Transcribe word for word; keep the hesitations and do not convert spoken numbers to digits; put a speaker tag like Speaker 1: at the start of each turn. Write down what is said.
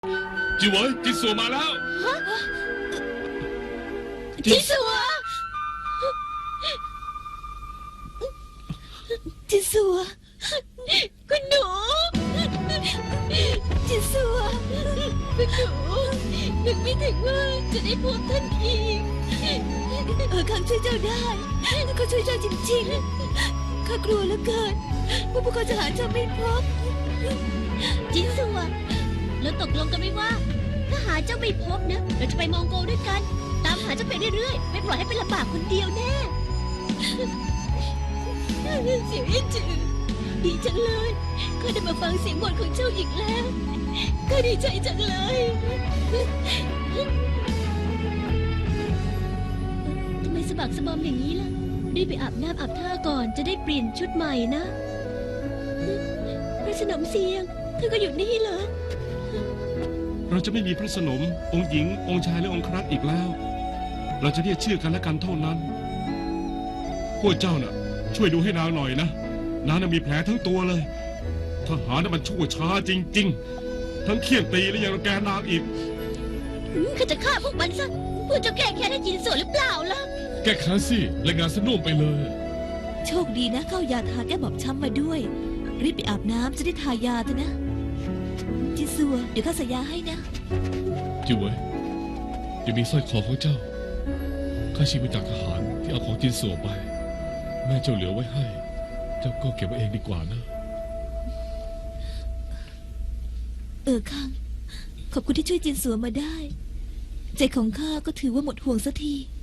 Speaker 1: จิ๋วเอ๋ยจินสัวมาแล้ว
Speaker 2: จินสัวจินสัวคุณหนูจินสัวคุณหนูนึกไม่ถึงว่าจะได้พบท่านอีกเออข้าช่วยเจ้าได้ข้าช่วยเจ้าจริงๆข้ากลัวเหลือเกินว่าพวกเขาจะหาเจ้าไม่พบจินสัวเราตกลงกันไหมว่าถ้าหาเจ้าไม่พบนะเราจะไปมองโกด้วยกันตามหาเจ้าไปเรื่อยๆไม่ปล่อยให้เป็นลำบากคนเดียวแน่เสียงเอ็นจือดีจังเลยข้าได้มาฟังเสียงบ่นของเจ้าอีกแล้วข้าดีใจจังเลยทำไมสะบักสะบอมอย่างนี้ล่ะรีบไปอาบน้ำอาบท่าก่อนจะได้เปลี่ยนชุดใหม่นะพระสนมเสียงเธอก็อยู่นี่เหรอ
Speaker 1: เราจะไม่มีพระสนมองค์หญิงองค์ชายและองค์ครักอีกแล้วเราจะเรียกชื่อกันและกันเท่านั้นพวกเจ้าน่ะช่วยดูให้นางหน่อยนะนางน่ะมีแผลทั้งตัวเลยทหารน่ะมันชั่วช้าจริงๆทั้งเคี่ยนตีและยังรังแกนางอีก
Speaker 2: ข้าจะฆ่าพวกมันซะเพื่อจะแก้แค้นให้จินสัวหรือเปล่าล่ะ
Speaker 3: แก้แค้นสิรายงานสนุ่มไปเลย
Speaker 2: โชคดีนะเข้ายาทาแก้บอบช้ำมาด้วยรีบไปอาบน้ำจะได้ทายาเถอะนะจินสัวเดี๋ยวข้าใส่ยาให้นะ
Speaker 3: จิ๋วเอ๋ยยังมีสร้อยคอของเจ้าข้าชิมมาจากทหารที่เอาของจินสัวไปแม่เจ้าเหลือไว้ให้เจ้าก็เก็บไว้เองดีกว่านะ
Speaker 2: เออคังขอบคุณที่ช่วยจินสัวมาได้ใจของข้าก็ถือว่าหมดห่วงสักที